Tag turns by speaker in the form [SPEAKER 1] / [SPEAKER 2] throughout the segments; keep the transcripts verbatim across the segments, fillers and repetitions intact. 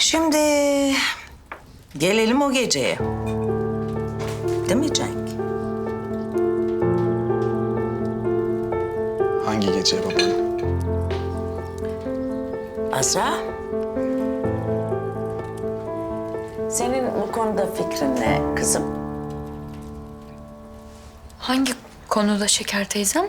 [SPEAKER 1] Şimdi gelelim o geceye. Değil mi Cenk?
[SPEAKER 2] Hangi gece babaanne?
[SPEAKER 1] Azra? Senin bu konuda fikrin ne kızım?
[SPEAKER 3] Hangi konuda Şeker teyzem?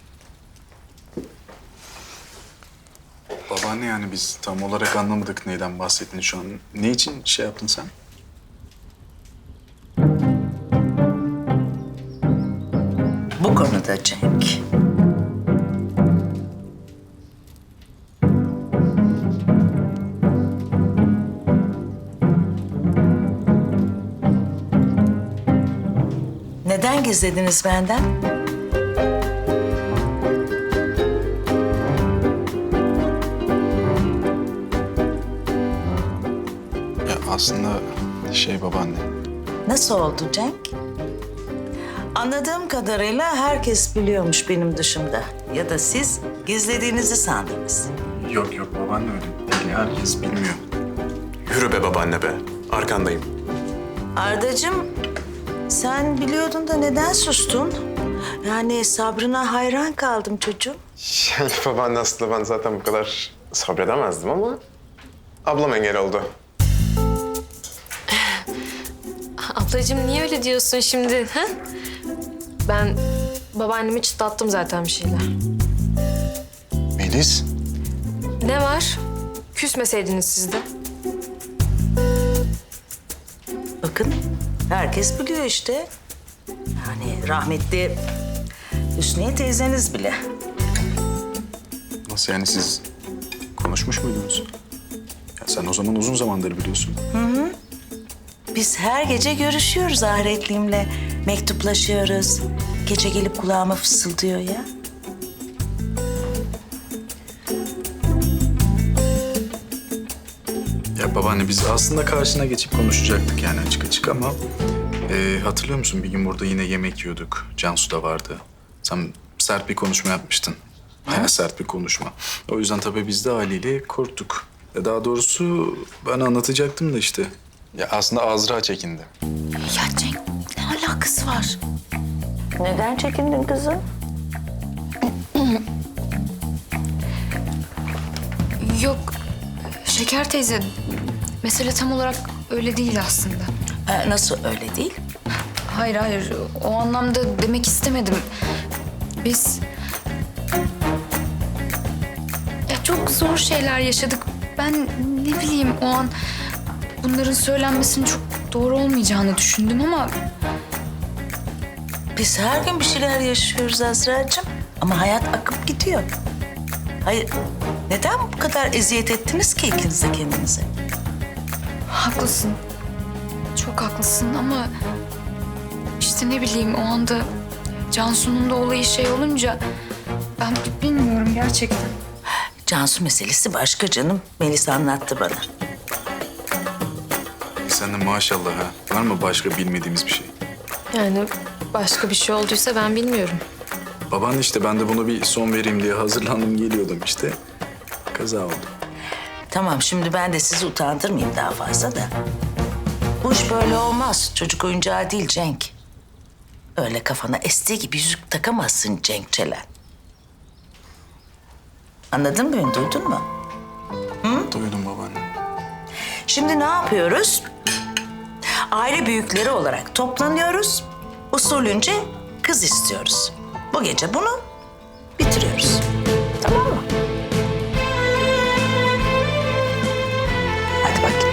[SPEAKER 2] Babaanne yani biz tam olarak anlamadık neyden bahsettiğini şu an. Ne için şey yaptın sen?
[SPEAKER 1] Bu konuda Cenk. Neden gizlediniz benden?
[SPEAKER 2] Ya aslında şey babaanne.
[SPEAKER 1] Nasıl oldu Cenk? Anladığım kadarıyla herkes biliyormuş benim dışımda. Ya da siz gizlediğinizi sandınız.
[SPEAKER 2] Yok yok babaanne öyle değil. Herkes bilmiyor.
[SPEAKER 4] Yürü be babaanne be. Arkandayım.
[SPEAKER 1] Ardacığım, sen biliyordun da neden sustun? Yani sabrına hayran kaldım çocuğum.
[SPEAKER 4] Yani babaanne aslında ben zaten bu kadar sabredemezdim ama ablam engel oldu.
[SPEAKER 5] Ablacığım niye öyle diyorsun şimdi? Ha? Ben babaannemi çıtlattım zaten bir şeyler.
[SPEAKER 2] Melis.
[SPEAKER 5] Ne var? Küsmeseydiniz siz de.
[SPEAKER 1] Bakın, herkes biliyor işte. Yani rahmetli Hüsniye teyzeniz bile.
[SPEAKER 2] Nasıl yani siz konuşmuş muydunuz? Ya sen o zaman uzun zamandır biliyorsun.
[SPEAKER 1] Biz her gece görüşüyoruz ahiretliğimle. Mektuplaşıyoruz. Gece gelip kulağıma fısıldıyor ya.
[SPEAKER 2] Ya babaanne biz aslında karşına geçip konuşacaktık yani açık açık ama... E, hatırlıyor musun bir gün burada yine yemek yiyorduk. Cansu da vardı. Sen sert bir konuşma yapmıştın. Bayağı sert bir konuşma. O yüzden tabii biz de haliyle korktuk. Ya daha doğrusu ben anlatacaktım da işte. Ya aslında Azra çekindi.
[SPEAKER 3] Ya Cenk ne alakası var?
[SPEAKER 1] Neden çekindin kızım?
[SPEAKER 3] Yok Şeker teyze mesele tam olarak öyle değil aslında.
[SPEAKER 1] Ee, nasıl öyle değil?
[SPEAKER 3] Hayır hayır o anlamda demek istemedim. Biz... Ya çok zor şeyler yaşadık. Ben ne bileyim o an bunların söylenmesinin çok doğru olmayacağını düşündüm ama...
[SPEAKER 1] Biz her gün bir şeyler yaşıyoruz Azra'cığım. Ama hayat akıp gidiyor. Hayır, neden bu kadar eziyet ettiniz ki ikiniz de kendinize?
[SPEAKER 3] Haklısın. Çok haklısın ama... işte ne bileyim o anda Cansu'nun da olayı şey olunca... Ben bilmiyorum gerçekten.
[SPEAKER 1] Cansu meselesi başka canım. Melis anlattı bana.
[SPEAKER 2] Sen de maşallah ha. Var mı başka bilmediğimiz bir şey?
[SPEAKER 5] Yani başka bir şey olduysa ben bilmiyorum.
[SPEAKER 2] Baban işte ben de bunu bir son vereyim diye hazırlandım geliyordum işte. Kaza oldu.
[SPEAKER 1] Tamam, şimdi ben de sizi utandırmayayım daha fazla da. Bu iş böyle olmaz. Çocuk oyuncağı değil Cenk. Öyle kafana estiği gibi yüzük takamazsın Cenk Çelen. Anladın mı beni, duydun mu?
[SPEAKER 2] Duydum babaanne.
[SPEAKER 1] Şimdi ne yapıyoruz? Aile büyükleri olarak toplanıyoruz. Usulünce kız istiyoruz. Bu gece bunu bitiriyoruz. Tamam mı? Hadi bakayım.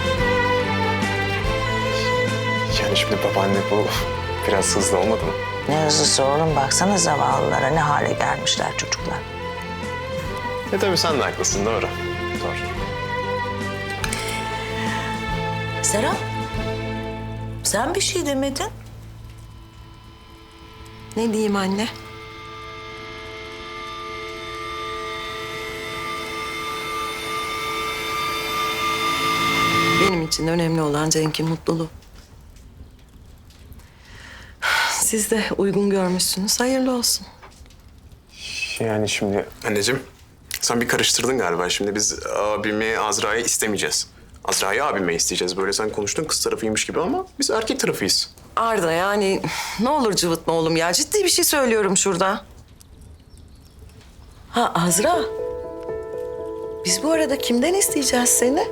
[SPEAKER 4] Yani şimdi babaanne bu biraz hızlı olmadı mı?
[SPEAKER 1] Ne hızlısı oğlum, baksana zavallılara ne hale gelmişler çocuklar.
[SPEAKER 4] E tabii sen de haklısın doğru. Doğru.
[SPEAKER 1] Serap, sen bir şey demedin.
[SPEAKER 6] Ne diyeyim anne? Benim için önemli olan Cenk'in mutluluğu. Siz de uygun görmüşsünüz. Hayırlı olsun.
[SPEAKER 4] Yani şimdi anneciğim sen bir karıştırdın galiba. Şimdi biz abimi Azra'yı istemeyeceğiz. Azra'yı abime isteyeceğiz. Böyle sen konuştun kız tarafıymış gibi ama biz erkek tarafıyız.
[SPEAKER 6] Arda yani ne olur cıvıtma oğlum ya. Ciddi bir şey söylüyorum şurada. Ha Azra. Biz bu arada kimden isteyeceğiz seni?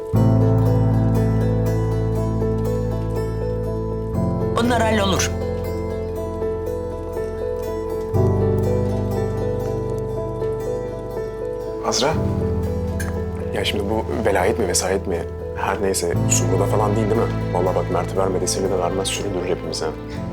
[SPEAKER 1] Bunlar hallolur.
[SPEAKER 4] Azra. Ya şimdi bu velayet mi vesayet mi? Her neyse Sumru'da falan değil değil mi? Vallahi bak Mert'i vermedi seni de vermez süründürür hepimize.